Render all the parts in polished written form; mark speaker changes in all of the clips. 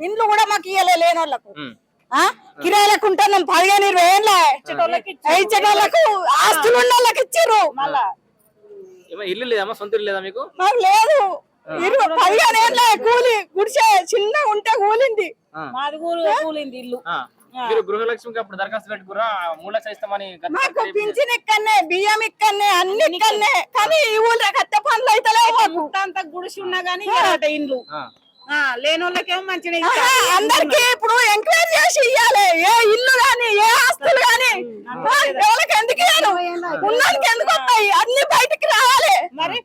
Speaker 1: ఇండ్లు కూడా మాకు ఇయ్యలే లేని వాళ్ళకు కిరాయిలకు ఉంటున్నాం 15-20 ఏళ్ళ ఇచ్చేటోళ్ళకు ఆస్తులు ఉన్న వాళ్ళకి ఇచ్చారు మళ్ళా
Speaker 2: ఇల్లు లేదమ్మా సొంత ఇల్లు లేదా మీకు
Speaker 1: మాకు లేదు 15 ఏళ్ళ కూలి గుడిసే చిన్న ఉంటే కూలింది
Speaker 3: మాది కూలింది ఇల్లు
Speaker 2: మీరు గృహలక్ష్మికి అప్పుడు దరఖాస్తు పెట్టుకురా 3 లక్షలు ఇస్తామని
Speaker 1: మాకు పింఛన్ ఇక్కడనే బియ్యం ఇక్కడనే అన్ని ఇక్కడనే కానీ ఈ ఊళ్ళో కట్టే పనులు అయితే
Speaker 3: అంత గుడిసి ఉన్నా గానీ ఇండ్లు లేని వాళ్ళకేమో మంచిగా
Speaker 1: అందరికి ఇప్పుడు ఎంక్వైరీ చేసి ఇయ్యాలి ఏ ఇల్లు గాని ఏ ఆస్తులు గాని ఎవరికి ఎందుకు ఇయ్యాలి ఉన్నానికి ఎందుకు వస్తాయి అన్ని బయటికి రావాలి మరి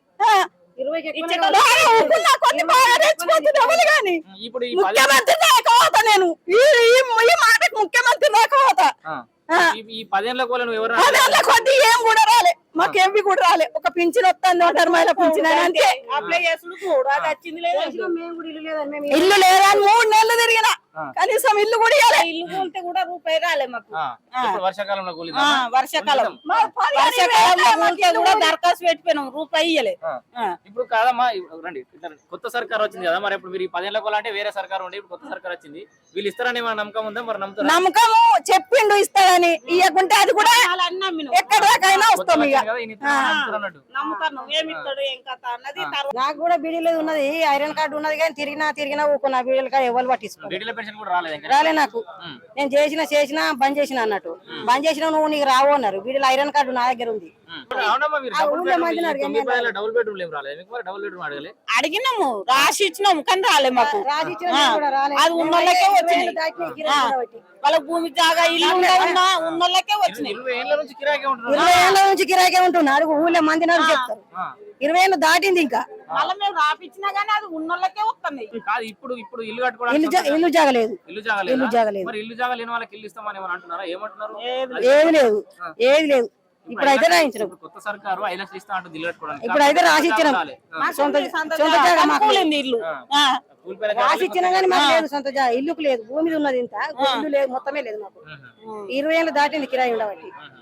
Speaker 1: ముఖ్యమంత్రి దాకా నేను ఈ మాటకు ముఖ్యమంత్రి దాకా
Speaker 2: ఈ 10 ఏళ్ళ కోలను ఎవరు
Speaker 1: కొద్ది ఏం కూడా రాలే మాకేమి కూడా రాలే ఒక పింఛన్ వస్తుంది ధర్మాల పింఛన్ అంతే
Speaker 3: అప్లై చేసుడు కూడా అది వచ్చింది లేదు
Speaker 1: ఇల్లు లేదని 3 నెలలు తిరిగిన కనీసం ఇల్లు కూడా ఇవ్వలే
Speaker 3: ఇల్లు కూలితే కూడా రూపాయి రాలే మాకు
Speaker 2: వర్షాకాలంలో
Speaker 3: వర్షాకాలంలో కూడా దరఖాస్తు పెట్టిపోయినాం రూపాయి ఇయ్యలే
Speaker 2: ఇప్పుడు కాదమ్మా రండి కొత్త సర్కార్ వచ్చింది కదా మరి ఇప్పుడు మీరు ఈ 10 ఏళ్ళ కోల అంటే వేరే సర్కార్ ఉండే ఇప్పుడు కొత్త సర్కార్ వచ్చింది వీళ్ళు ఇస్తారని ఏమైనా నమ్మకం ఉందా మరి
Speaker 1: నమ్మకము చెప్పిండు ఇస్తారని ఇవ్వకుంటే అది కూడా ఎక్కడ దాకైనా వస్తాం ఇక
Speaker 3: నాకు కూడా బీడీలో ఉన్నది ఐరన్ కార్డు ఉన్నది కానీ తిరిగినా ఊకున్నా బీడీల కార్డు ఎవరు పట్టించుకో రాలే నాకు నేను చేసినా బంద్ చేసిన అన్నట్టు బంద్ చేసినా నువ్వు నీకు రావు అన్నారు బీడీలో ఐరన్ కార్డు నా దగ్గర ఉంది
Speaker 1: అడిగినాము రాసి ఇచ్చినాము కానీ రాలే మాకు అది ఉన్న వాళ్ళకే వచ్చింది వాళ్ళ భూమి జాగా ఇల్లు ఉన్న వాళ్ళకే వచ్చినాయి
Speaker 2: 20 ఏళ్ళ నుంచి
Speaker 1: కిరాయికే ఉంటున్నారు ఊళ్ళో మంది చెప్తారు 20 ఏళ్ళు దాటింది ఇంకా
Speaker 3: మళ్ళీ మేము రాపిచ్చినా గానీ అది ఉన్నోళ్ళకే వస్తున్నాయి
Speaker 2: ఇప్పుడు ఇల్లు కట్టుకోవడానికి
Speaker 1: ఇల్లు జాగలేదు
Speaker 2: ఇల్లు జాగా లేని వాళ్ళకి ఇల్లు ఇస్తామని అంటున్నారా ఏమంటున్నారు
Speaker 1: ఏది లేదు ఇప్పుడైతే రాయించిన
Speaker 2: కొత్త సర్కారు 5 లక్షలు ఇస్తా అంటుంది ఇల్లు కట్టుకోవడానికి
Speaker 1: ఇప్పుడైతే రాసి ఇచ్చినాం సొంత జాగా మాకు
Speaker 3: ఇల్లు
Speaker 1: రాసి ఇచ్చినా గానీ మాకు లేదు సొంత జాగా ఇల్లుకు లేదు భూమి ఉన్నది ఇంత ఇల్లు లేదు మొత్తమే లేదు మాకు 20 ఏళ్ళు దాటింది కిరాయి ఉండబట్టి